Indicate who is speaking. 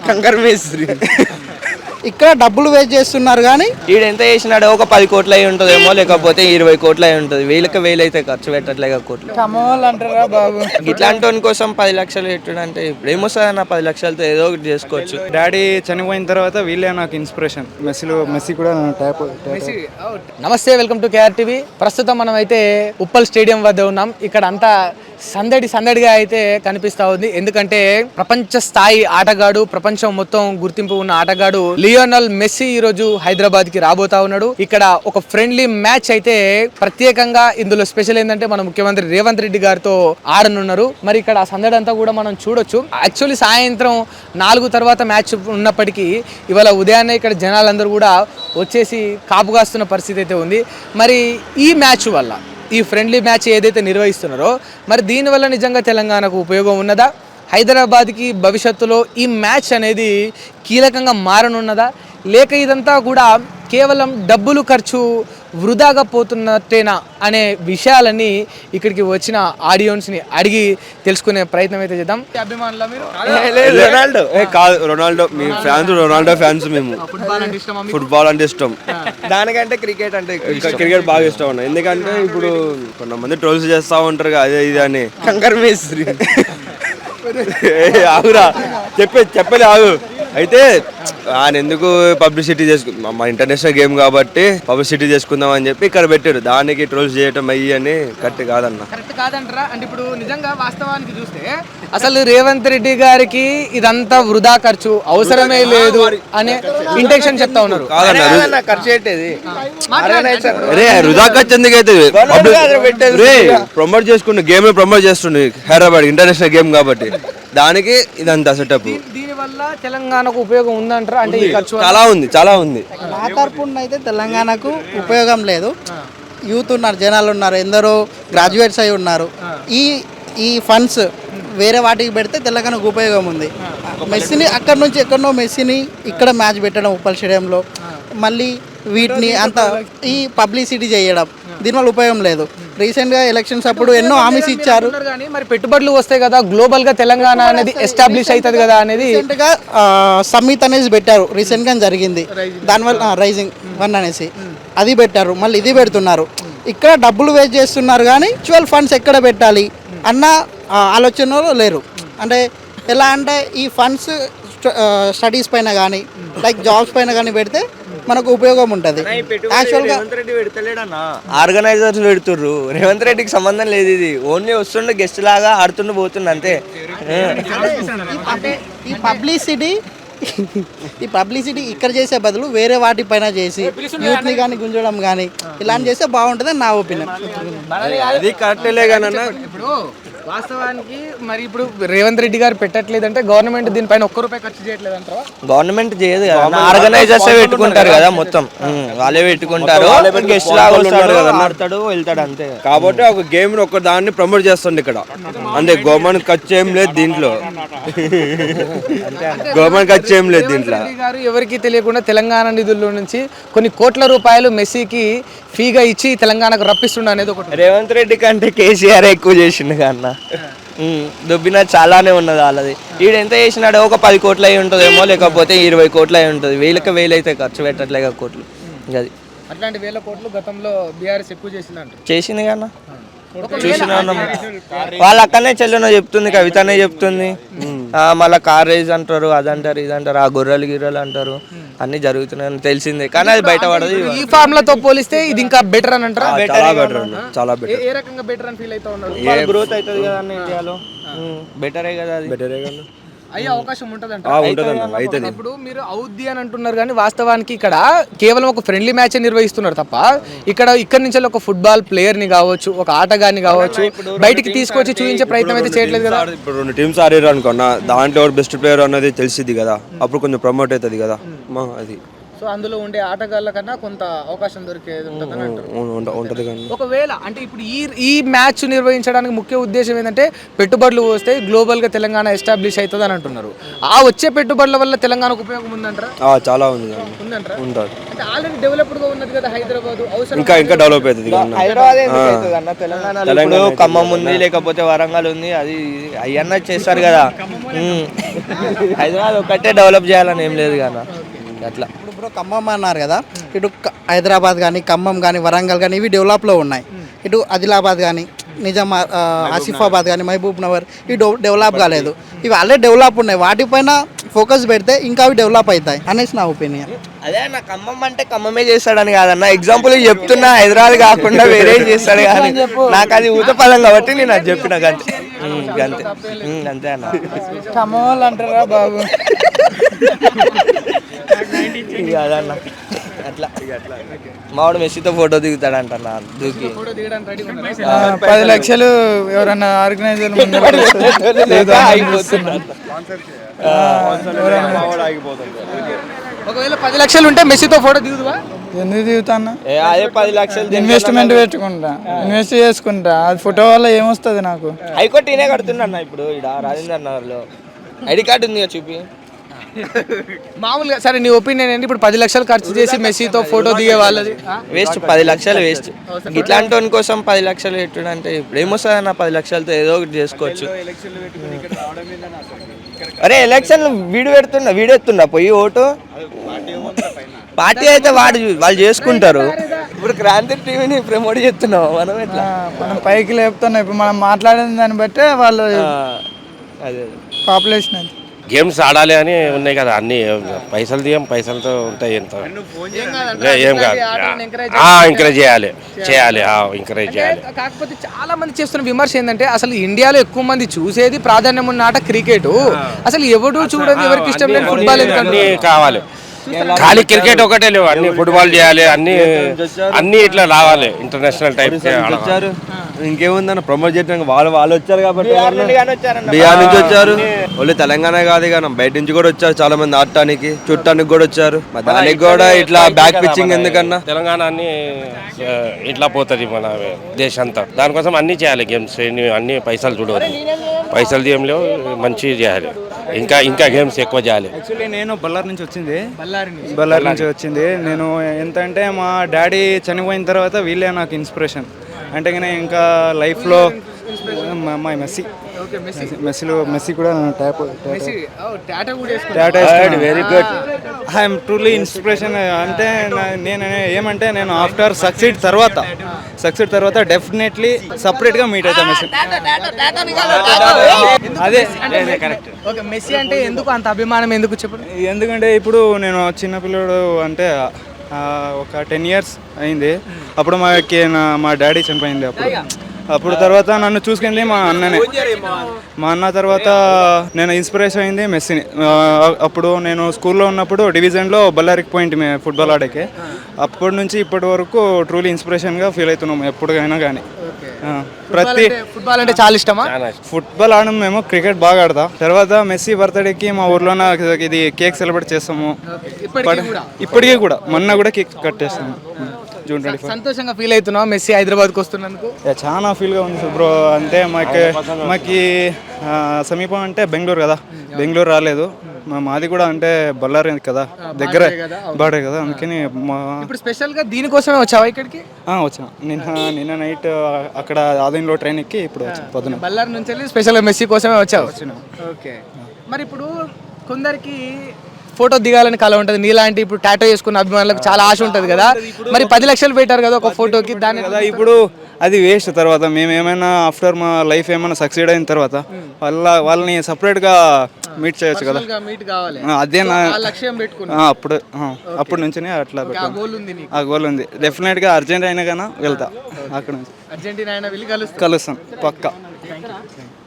Speaker 1: కంకర్ మేస్త్రి.
Speaker 2: ఇక్కడ డబ్బులు వేస్ట్ చేస్తున్నారు కానీ
Speaker 1: ఈడు ఎంత చేసినాడు? ఒక 10 కోట్లు అయి ఉంటుందేమో, లేకపోతే 20 కోట్లు అయి ఉంటుంది. వేలు అయితే ఖర్చు పెట్టట్లేక కోట్లు.
Speaker 2: కమోల్ అంటారా బాబు?
Speaker 1: ఇట్లాంటి వాని కోసం 10 లక్షలు పెట్టుడంటే ఇప్పుడు ఏమొస్తుంది అన్న? 10 లక్షలతో ఏదో ఒకటి చేసుకోవచ్చు.
Speaker 3: డాడీ చనిపోయిన తర్వాత వీళ్ళే నాకు ఇన్స్పిరేషన్. మెస్సీ కూడా టైప్.
Speaker 4: నమస్తే, వెల్కమ్ టు కేఆర్ టీవీ. ప్రస్తుతం మనం అయితే ఉప్పల్ స్టేడియం వద్ద ఉన్నాం. ఇక్కడ అంతా సందడిగా అయితే కనిపిస్తా ఉంది. ఎందుకంటే ప్రపంచ స్థాయి ఆటగాడు, ప్రపంచం మొత్తం గుర్తింపు ఉన్న ఆటగాడు లియోనల్ మెస్సీ ఈ రోజు హైదరాబాద్ కి రాబోతా ఉన్నాడు. ఇక్కడ ఒక ఫ్రెండ్లీ మ్యాచ్ అయితే ప్రత్యేకంగా ఇందులో స్పెషల్ ఏంటంటే మన ముఖ్యమంత్రి రేవంత్ రెడ్డి గారితో ఆడనున్నారు. మరి ఇక్కడ ఆ సందడి అంతా కూడా మనం చూడొచ్చు. యాక్చువల్లీ సాయంత్రం 4 తర్వాత మ్యాచ్ ఉన్నప్పటికీ ఇవాళ ఉదయాన్నే ఇక్కడ జనాలందరూ కూడా వచ్చేసి కాపుగాస్తున్న పరిస్థితి అయితే ఉంది. మరి ఈ మ్యాచ్ వల్ల, ఈ ఫ్రెండ్లీ మ్యాచ్ ఏదైతే నిర్వహిస్తున్నారో, మరి దీనివల్ల నిజంగా తెలంగాణకు ఉపయోగం ఉన్నదా? హైదరాబాద్కి భవిష్యత్తులో ఈ మ్యాచ్ అనేది కీలకంగా మారనున్నదా, లేక ఇదంతా కూడా కేవలం డబ్బులు ఖర్చు వృధాగా పోతున్నట్టేనా అనే విషయాలన్నీ ఇక్కడికి వచ్చిన ఆడియన్స్ని అడిగి తెలుసుకునే ప్రయత్నం అయితే చేద్దాం. అభిమానుల మీరు?
Speaker 5: రొనాల్డో కాదు, రొనాల్డో మీ ఫ్యాన్స్, రొనాల్డో ఫ్యాన్స్ మేము. ఫుట్బాల్ అంటే ఇష్టం.
Speaker 1: దానికంటే క్రికెట్ అంటే
Speaker 5: క్రికెట్ బాగా ఇష్టం అన్న. ఎందుకంటే ఇప్పుడు కొంతమంది ట్రోల్స్ చేస్తా ఉంటారు అదే ఇది అని.
Speaker 1: కంకర్ మేస్త్రి.
Speaker 5: ఆగురా, చెప్పలే ఆగు. అయితే ఆయన ఎందుకు పబ్లిసిటీ మా ఇంటర్నేషనల్ గేమ్ కాబట్టి పబ్లిసిటీ చేసుకుందాం అని చెప్పి ఇక్కడ పెట్టారు. దానికి ట్రోల్స్ చేయటం అయ్యి అని కరెక్ట్ కాదన్న.
Speaker 4: కరెక్ట్ కాదంటారా? అంటే ఇప్పుడు నిజంగా వాస్తవానికి చూస్తే అసలు రేవంత్ రెడ్డి గారికి ఇదంతా వృధా ఖర్చు, అవసరమే లేదు అనే ఇంటెన్షన్ చెప్తా ఉన్నారు.
Speaker 5: కాదన్న,
Speaker 1: ఖర్చు పెట్టేది
Speaker 5: వృధా ఖర్చు ఎందుకు అయితే ప్రమోట్ చేసుకుంటు గేమ్ ప్రమోట్ చేస్తుండే హైదరాబాద్ ఇంటర్నేషనల్ గేమ్ కాబట్టి దానికి ఇదంతా సెటప్.
Speaker 4: దీనివల్ల తెలంగాణకు ఉపయోగం ఉందంటారా? అంటే ఈ ఖర్చు
Speaker 5: చాలా ఉంది.
Speaker 2: నా తరపున అయితే తెలంగాణకు ఉపయోగం లేదు. యూత్ ఉన్నారు, జనాలు ఉన్నారు, ఎందరో గ్రాడ్యుయేట్స్ అయి ఉన్నారు. ఈ ఫండ్స్ వేరే వాటికి పెడితే తెలంగాణకు ఉపయోగం ఉంది. మెస్సీని అక్కడ నుంచి ఎక్కడనో మెస్సీని ఇక్కడ మ్యాచ్ పెట్టడం ఉప్పల్ స్టేడియంలో, మళ్ళీ వీటిని అంత ఈ పబ్లిసిటీ చేయడం, దీనివల్ల ఉపయోగం లేదు. రీసెంట్గా ఎలక్షన్స్ అప్పుడు ఎన్నో హామీస్ ఇచ్చారు.
Speaker 4: మరి పెట్టుబడులు వస్తాయి కదా, గ్లోబల్ గా తెలంగాణ అనేది ఎస్టాబ్లిష్ అవుతుంది కదా అనేది.
Speaker 2: రీసెంట్గా సమ్మిట్ అనేది పెట్టారు, రీసెంట్గా జరిగింది. దానివల్ల రైజింగ్ 1 అనేసి అది పెట్టారు, మళ్ళీ ఇది పెడుతున్నారు. ఇక్కడ డబ్బులు వేస్ట్ చేస్తున్నారు కానీ యాక్చువల్ ఫండ్స్ ఎక్కడ పెట్టాలి అన్న ఆలోచనలో లేరు. అంటే ఎలా అంటే ఈ ఫండ్స్ స్టడీస్ పైన కానీ లైక్ జాబ్స్ పైన కానీ పెడితే మనకు ఉపయోగం ఉంటుంది. యాక్చువల్గా
Speaker 1: ఆర్గనైజర్స్ పెడుతుర్రు, రేవంత్ రెడ్డికి సంబంధం లేదు. ఇది ఓన్లీ వస్తుండే గెస్ట్ లాగా ఆడుతుండే పోతుండే అంతే.
Speaker 2: ఈ పబ్లిసిటీ ఇక్కడ చేసే బదులు వేరే వాటి పైన చేసి యూత్ని కానీ గుంజడం కానీ ఇలాంటి చేస్తే బాగుంటుంది నా ఒపీనియన్.
Speaker 5: అది కరెక్టేలే కానీ
Speaker 4: ఇప్పుడు వాస్తవానికి మరి ఇప్పుడు రేవంత్ రెడ్డి గారు పెట్టట్లేదంటే గవర్నమెంట్ దీనిపైన ₹1 ఖర్చు చేయట్లేదు అంటారా?
Speaker 1: గవర్నమెంట్ చేయదు కదా, ఆర్గనైజర్స్ పెట్టుకుంటారు కదా, మొత్తం వాళ్ళే పెట్టుకుంటారు. గెస్ట్ లాగా ఆడతాడు, వెళ్తాడు అంతే.
Speaker 5: కాబట్టి ఒక గేమ్ ఒక దాన్ని ప్రమోట్ చేస్తుంది ఇక్కడ అంతే. గవర్నమెంట్ ఖర్చు ఏం లేదు దీంట్లో. గవర్నమెంట్ ఖర్చు ఏం లేదు దీంట్లో.
Speaker 4: గారు ఎవరికి తెలియకుండా తెలంగాణ నిధుల్లో నుంచి కొన్ని కోట్ల రూపాయలు మెస్సీకి ఫీగా ఇచ్చి తెలంగాణకు రప్పిస్తుండ అనేది ఒకటి.
Speaker 1: రేవంత్ రెడ్డి కంటే కేసీఆర్ ఎక్కువ చేసిండు కన్నా. దుబ్బిన చాలానే ఉన్నది వాళ్ళది. ఈడు ఎంత చేసినాడు? ఒక 10 కోట్లు అయి ఉంటుందేమో, లేకపోతే 20 కోట్లు అయి ఉంటుంది. వేలు అయితే ఖర్చు పెట్టట్లేక కోట్లు. అది
Speaker 4: అట్లాంటి 1000 కోట్లు గతంలో బీఆర్ఎస్ ఎక్కువ
Speaker 1: చేసింది కన్నా. చూసిన వాళ్ళ అక్కడనే చెల్లెనో చెప్తుంది, కవితనే చెప్తుంది. మళ్ళీ కార్ రేజ్ అంటారు, అదంటారు, ఇదంటారు, ఆ గిర్రలు అంటారు. అన్ని జరుగుతున్నాయని తెలిసిందే కానీ అది బయట పడదు.
Speaker 4: ఈ ఫార్ములాతో పోలిస్తే ఇది ఇంకా బెటర్ అని అంటారా?
Speaker 5: చాలా బెటర్.
Speaker 4: ఏ రకంగా బెటర్ అని ఫీల్ అవుతా ఉన్నారు?
Speaker 1: గ్రోత్ అవుతుంది కదా అన్న ఇండియాలో. బెటరే కదా, అది బెటరే కదా.
Speaker 4: అయ్యే అవకాశం ఉంటుంది. ఇప్పుడు మీరు అవుద్ది అని అంటున్నారు కానీ వాస్తవానికి ఇక్కడ కేవలం ఒక ఫ్రెండ్లీ మ్యాచ్ నిర్వహిస్తున్నారు తప్ప ఇక్కడ నుంచి ఒక ఫుట్బాల్ ప్లేయర్ ని కావచ్చు, ఒక ఆటగాన్ని కావచ్చు బయటికి తీసుకొచ్చి చూపించే ప్రయత్నం అయితే చేయట్లేదు కదా.
Speaker 5: ఇప్పుడు 2 టీమ్స్ ఆడారు అనుకున్నా, దాంట్లో ఎవరు బెస్ట్ ప్లేయర్ అన్నది తెలిసింది కదా, అప్పుడు కొంచెం ప్రమోట్ అవుతుంది కదా. అది
Speaker 4: సో అందులో ఉండే ఆటగాళ్ళ కన్నా కొంత అవకాశం దొరికేది ఉంటుందని అంటారు.
Speaker 5: ఉంటది కానీ
Speaker 4: ఒకవేళ అంటే ఇప్పుడు ఈ మ్యాచ్ నిర్వహించడానికి ముఖ్య ఉద్దేశం ఏంటంటే పెట్టుబడులు వస్తే గ్లోబల్గా తెలంగాణ ఎస్టాబ్లిష్ అవుతుంది అని అంటున్నారు. ఆ వచ్చే పెట్టుబడుల వల్ల తెలంగాణకు ఉపయోగం ఉందంటారా?
Speaker 5: చాలా ఉంది
Speaker 4: ఉందంటారా?
Speaker 5: ఉంటుంది.
Speaker 4: అంటే ఆల్రెడీ డెవలప్డ్గా ఉన్నది కదా హైదరాబాద్, అవసరం
Speaker 5: ఇంకా డెవలప్ అవుతుంది
Speaker 1: హైదరాబాద్ ఎందుకు అవుతుంది అన్న? తెలంగాణలో ఇప్పుడు ఖమ్మం ఉంది, లేకపోతే వరంగల్ ఉంది, అది అయ్యన్న చేస్తారు కదా. హైదరాబాద్ ఒక్కటే డెవలప్ చేయాలని ఏం లేదు కదా అట్లా.
Speaker 2: ఇప్పుడు ఖమ్మం అన్నారు కదా, ఇటు హైదరాబాద్ కానీ ఖమ్మం కానీ వరంగల్ కానీ ఇవి డెవలప్లో ఉన్నాయి. ఇటు ఆదిలాబాద్ కానీ ఆసిఫాబాద్ కానీ మహబూబ్ నగర్ ఇవి డెవలప్ కాలేదు. ఇవి ఆల్రెడీ డెవలప్ ఉన్నాయి, వాటిపైన ఫోకస్ పెడితే ఇంకా అవి డెవలప్ అవుతాయి అనేసి నా ఒపీనియన్.
Speaker 1: అదే అన్న, ఖమ్మం అంటే ఖమ్మమే చేస్తాడని కాదన్న, ఎగ్జాంపుల్ చెప్తున్నా. హైదరాబాద్ కాకుండా వేరే చేస్తాడు కానీ నాకు అది ఊత పదం కాబట్టి నేను అది చెప్పిన గంతే అంతే అన్న.
Speaker 2: ఖమ్మం వాళ్ళు అంటారా బాబు?
Speaker 1: అదన్న అట్లా మావాడు మెస్సీతో ఫోటో దిగుతాడంట నా దూకి.
Speaker 3: 10 లక్షలు ఎవరన్నా ఆర్గనైజర్
Speaker 4: ఒకవేళ 10 లక్షలు ఉంటే మెస్సీతో ఫోటో దిగుదువా?
Speaker 3: ఎందుకు దిగుతాను?
Speaker 1: అదే 10 లక్షలు
Speaker 3: ఇన్వెస్ట్మెంట్ పెట్టుకుంటా, ఇన్వెస్ట్ చేసుకుంటా. అది ఫోటో వల్ల ఏమొస్తుంది నాకు?
Speaker 1: హైకోర్టు ఈయనే కడుతున్నా ఇప్పుడు ఇక్కడ రాజేంద్ర నగర్లో. ఐడి కార్డు ఉంది చూపి.
Speaker 4: మామూలుగా సరే, నీ ఒపీనియన్ ఏంటి? ఇప్పుడు 10 లక్షలు ఖర్చు చేసి మెస్సీతో ఫోటో దిగే వాళ్ళది
Speaker 1: వేస్ట్. 10 లక్షలు వేస్ట్. ఇట్లాంటి వాని కోసం 10 లక్షలు పెట్టుడు అంటే ఇప్పుడు ఏమొస్తుంది అన్న? 10 లక్షలతో ఏదో ఒకటి చేసుకోవచ్చు. అరే ఎలక్షన్ వీడియో ఎత్తున్నా పోయి ఓటు. పార్టీ అయితే వాళ్ళు చేసుకుంటారు. ఇప్పుడు క్రాంతి టీవీని ప్రమోట్ చేస్తున్నాం మనం. ఎట్లా
Speaker 3: మనం పైకి లేపుతున్నాం. ఇప్పుడు మనం మాట్లాడిన దాన్ని బట్టే వాళ్ళు
Speaker 1: అదే
Speaker 3: పాపులేషన్ అది.
Speaker 6: గేమ్స్ ఆడాలి అని ఉన్నాయి కదా, అన్ని పైసలు తీయం, పైసలతో ఉంటాయి. ఎంత ఏం కాదు, ఎంకరేజ్ చేయాలి ఎంకరేజ్ చేయాలి.
Speaker 4: కాకపోతే చాలా మంది చేస్తున్న విమర్శ ఏంటంటే అసలు ఇండియాలో ఎక్కువ మంది చూసేది ప్రాధాన్యం ఉన్న ఆట క్రికెట్. అసలు ఎవరు చూడండి, ఎవరికి ఇష్టం లేని ఫుట్బాల్
Speaker 6: అన్ని కావాలి. ఖాళీ క్రికెట్ ఒకటే లేవు, అన్ని ఫుట్బాల్ చేయాలి, అన్ని ఇట్లా రావాలి. ఇంటర్నేషనల్ టైప్
Speaker 5: వచ్చారు. ఇంకేముందన్న ప్రమోట్ చేయడానికి వాళ్ళు వచ్చారు కాబట్టి. బిహార్ నుంచి వచ్చారు వాళ్ళు. తెలంగాణ కాదు కానీ బయట నుంచి కూడా వచ్చారు చాలా మంది ఆడటానికి, చూడటానికి కూడా వచ్చారు. దానికి కూడా ఇట్లా బ్యాక్ పిచ్చింగ్ ఎందుకన్నా?
Speaker 6: తెలంగాణ అన్ని ఇట్లా పోతుంది మన దేశంతా. దానికోసం అన్ని చేయాలి గేమ్స్. అన్ని పైసలు చూడవద్దు, పైసలు తీయంలో మంచి చేయాలి. ఇంకా గేమ్స్ ఎక్కువ చేయాలి.
Speaker 3: యాక్చువల్లీ నేను బళ్ళారి నుంచి వచ్చింది. నేను ఎంత అంటే మా డాడీ చనిపోయిన తర్వాత వీళ్ళే నాకు ఇన్స్పిరేషన్. అంటే ఇంకా లైఫ్లో మా అమ్మాయి మెస్సీ కూడా very good. I'm truly inspiration. అంటే నేను ఏమంటే నేను ఆఫ్టర్ సక్సీడ్ తర్వాత డెఫినెట్లీ సపరేట్గా మీట్ అవుతాను మెస్సీ. అదే కరెక్ట్.
Speaker 4: మెస్సీ అంటే ఎందుకు అంత అభిమానం? ఎందుకు చెప్పండి.
Speaker 3: ఎందుకంటే ఇప్పుడు నేను చిన్నపిల్లడు అంటే ఒక 10 years అయింది. అప్పుడు మా డాడీ చనిపోయింది. అప్పుడు తర్వాత నన్ను చూసుకుంది మా అన్ననే. మా అన్న తర్వాత నేను ఇన్స్పిరేషన్ అయింది మెస్సీని. అప్పుడు నేను స్కూల్లో ఉన్నప్పుడు డివిజన్లో బళ్ళారికి పోయింటి ఫుట్బాల్ ఆడేకి. అప్పటి నుంచి ఇప్పటి వరకు ట్రూలీ ఇన్స్పిరేషన్గా ఫీల్ అవుతున్నాము ఎప్పుడైనా కానీ. ప్రతి
Speaker 4: ఫుట్బాల్ అంటే చాలా ఇష్టమా?
Speaker 3: ఫుట్బాల్ ఆడడం మేము క్రికెట్ బాగా ఆడతాం. తర్వాత మెస్సీ బర్త్డేకి మా ఊర్లోనే ఇది కేక్ సెలబ్రేట్ చేస్తాము. ఇప్పటికీ కూడా మొన్న కూడా కేక్ కట్ చేస్తాము. June 24.
Speaker 4: సంతోషంగా ఫీల్ అవుతున్నావు మెస్సీ హైదరాబాద్కి వస్తున్నందుకు?
Speaker 3: చాలా ఫీల్గా ఉంది బ్రో. అంటే మాకి సమీపం అంటే బెంగళూరు కదా, బెంగళూరు రాలేదు. మాది కూడా అంటే బళ్ళారి కదా, దగ్గర బాడే కదా. అందుకని
Speaker 4: ఇప్పుడు స్పెషల్గా దీనికోసమే వచ్చావా ఇక్కడికి?
Speaker 3: వచ్చాను. నిన్న నైట్ అక్కడ ఆదంలో ట్రైన్ ఎక్కి ఇప్పుడు పొద్దున
Speaker 4: బళ్ళారి నుంచి వెళ్ళి స్పెషల్గా మెస్సీ కోసమే వచ్చావు. ఓకే. మరి ఇప్పుడు కొందరికి ఫోటో దిగాలని కళ ఉంటుంది. నీలాంటి ఇప్పుడు టాటో చేసుకున్న అభిమానులకు చాలా ఆశ ఉంటుంది కదా. మరి 10 లక్షలు పెట్టారు కదా ఒక ఫోటోకి, దాని
Speaker 3: కదా ఇప్పుడు అది వేస్ట్. తర్వాత మేము ఏమైనా ఆఫ్టర్ మా లైఫ్ ఏమైనా సక్సీడ్ అయిన తర్వాత వాళ్ళని సపరేట్గా మీట్ చేయొచ్చు కదా. అదే నా
Speaker 4: లక్ష్యం పెట్టుకున్నా.
Speaker 3: అప్పటి నుంచి అట్లా ఆ గోల్ ఉంది. డెఫినెట్గా అర్జెంట్ అయినా కానీ వెళ్తా. అక్కడ నుంచి
Speaker 4: అర్జెంటీనా అయినా వెళ్ళి
Speaker 3: కలుస్తాం పక్కా.